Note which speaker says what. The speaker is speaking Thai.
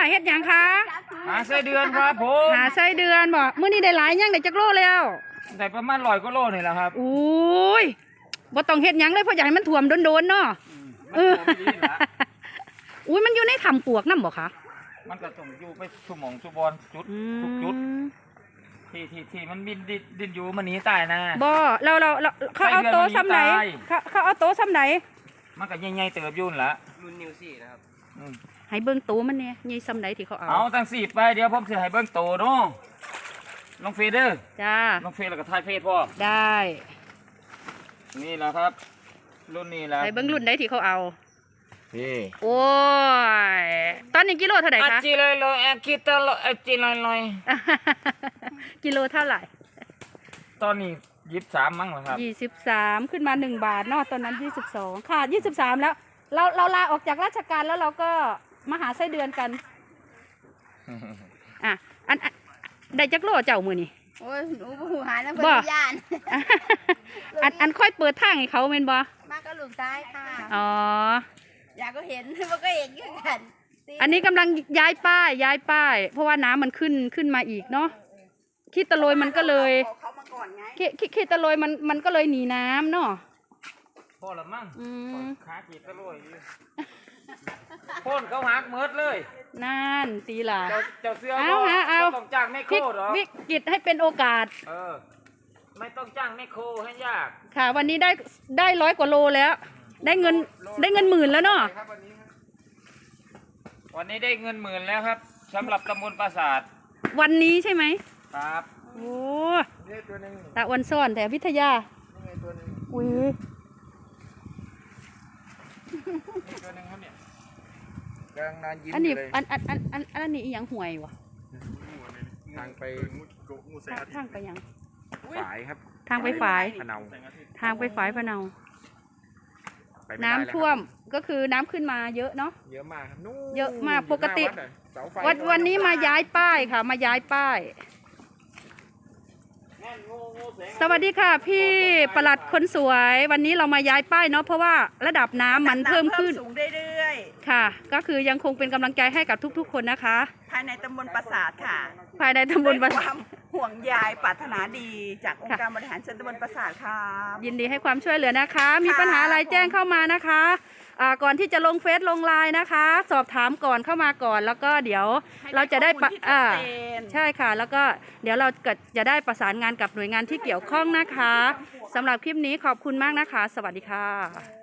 Speaker 1: เฮ็ดหยังคะ
Speaker 2: หาไส้เดือนครับผม
Speaker 1: หาไส้เดือนบ่มื้อนี้ได้หลายยังได้จักโลแล้ว
Speaker 2: ได้ประมาณ100 กว่าโลนี่แหละครับ
Speaker 1: อุ้ยบ่ต้องเฮ็ดหยังเลยเพราะอยากให้มันท่วมโดนๆเนาะ
Speaker 2: มันตัวไม่ดีละ
Speaker 1: อุ้ยมันอยู่ในถ้ำปวกนำบ่คะ
Speaker 2: มันก็ต้องอยู่ไปสุหมองสุบอนจุดทุกจุดที่มันดินอยู่มันหนีตายนะ
Speaker 1: บ่เราเขาเอาโต๊ะซ้ำไหนเขาเอาโต๊ะซ้ำไหน
Speaker 2: มันก็ใหญ่ๆเติบยุ่นละ
Speaker 3: รุ่นนิวซี่นะครับ
Speaker 1: ให้เบิ่งโต๊ะมันเนี่ยใหญ่ซ้ำไหนที่เขาเอา
Speaker 2: เอาตั้ง4ไปเดี๋ยวผมสิให้เบิ่งโตเนาะลงเฟซเด้อ
Speaker 1: จ้า
Speaker 2: ลงเฟซแล้วก็ถ่ายเฟซพ่อ
Speaker 1: ได้
Speaker 2: นี่แหละครับ รุ่นนี้แหละ
Speaker 1: ให้เบิ่งรุ่นใดที่เขาเอา
Speaker 2: นี่
Speaker 1: โอ้ยตอนนี้กิโลเท่าไหร่
Speaker 2: อา
Speaker 1: คะ
Speaker 2: จิเลยเลยอากิตะเลยอาจิเลยเลย
Speaker 1: กิโลเท่าไหร่
Speaker 2: ตอนนี้23มั้งเหรอครับ
Speaker 1: 23ขึ้นมา1 บาทเนาะตอนนั้น22ค่ะ23แล้วเราลาออกจากราชการแล้วเราก็มาหาไส้เดือนกันอ่ะอันได้จักโลเจ้ามือนี่
Speaker 4: โอ้ยหนูหูหายแล้ว
Speaker 1: บ่
Speaker 4: เพื่อนย่าน
Speaker 1: อันค่อยเปิดทางให้เขาเมนบ่
Speaker 4: มากก็ลูกซ้ายค่ะ
Speaker 1: อ๋อ
Speaker 4: อยากก็เห็น มันก็เห็นกันกัน
Speaker 1: อันนี้กำลังย้ายป้ายเพราะว่าน้ำมันขึ้นมาอีกเนาะขี้ตะโลยมันก็เลย
Speaker 4: เขามาก่อนไง
Speaker 1: ขี้ตะโลยมันก็เลยหนีน้ำเนาะ
Speaker 2: พอละมั้ง
Speaker 1: อืม
Speaker 2: ขาขีดตะลุยพ่นเขาหักเมิดเลย
Speaker 1: นั่นตีหล่ะ
Speaker 2: เจ้าเสื้อ
Speaker 1: เอาฮะเอา
Speaker 2: ไม่ต้องจ้างแม่โคหรอ
Speaker 1: วิกฤตให้เป็นโอกาส
Speaker 2: ไม่ต้องจ้างแม่โคให้ยาก
Speaker 1: ค่ะ วันนี้ได้100 กว่าโลแล้ว ได้เงินหมื่นแล้วเนาะ
Speaker 2: วันนี้ได้เงิน10,000แล้วครับสำหรับตำบลปราสาท
Speaker 1: วันนี้ใช่ไหม
Speaker 2: ครับ
Speaker 1: โอ้
Speaker 3: นี่ตัวหนึง
Speaker 1: ตาวันซ่อนแต่วิทยา
Speaker 3: นี่ตัวหนึง
Speaker 1: อุ้ย
Speaker 3: นี่ตัวหนึงครับเนี่ยกำลังนานยิ้ม
Speaker 1: อันนี้
Speaker 3: เลย
Speaker 1: อันนี้อีหยังห่วยวะ
Speaker 3: ทางไป
Speaker 1: ทางไปหยัง
Speaker 3: ฝายครับ
Speaker 1: ทางไปฝาย
Speaker 3: พะเนา
Speaker 1: ทางไปฝายพะเนา
Speaker 3: ไปไม่ได้
Speaker 1: น้ำ
Speaker 3: แล้วครับ
Speaker 1: ท่วมก็คือน้ำขึ้นมาเยอะเนาะ
Speaker 3: เยอะมากครับนู่น
Speaker 1: เยอะมากปกติ
Speaker 3: หน้าวัดอะเสาไฟ
Speaker 1: วันนี้มาย้ายป้ายค่ะ มาย้ายป้าย สวัสดีค่ะ พี่ปลัดคนสวย วันนี้เรามาย้ายป้ายเนาะเพราะว่าระดับน้ำมันเพิ่มขึ้น
Speaker 5: สูงเรื่อย
Speaker 1: ค่ะ ก็คือยังคงเป็นกำลังใจให้กับทุกๆ คนนะคะ
Speaker 5: ๆ ภายในตำบลปราสาทค่ะ
Speaker 1: ภายในตำบล
Speaker 5: ด้วยความห่วงใยปรารถนาดีจากองค์การบริหารส่วนตำบลปราสาทค่ะ
Speaker 1: ยินดีให้ความช่วยเหลือนะคะ มีปัญหาอะไรแจ้งเข้ามานะคะก่อนที่จะลงเฟซลงไลน์นะคะ สอบถามก่อนเข้ามาก่อน แล้วก็เดี๋ยวเราจะได้
Speaker 5: ให้ข้อมูลที่ชัดเจน
Speaker 1: ใช่ค่ะ แล้วก็เดี๋ยวเราก็จะได้ประสานงานกับหน่วยงานที่เกี่ยวข้องนะคะสำหรับคลิปนี้ขอบคุณมากนะคะ สวัสดีค่ะ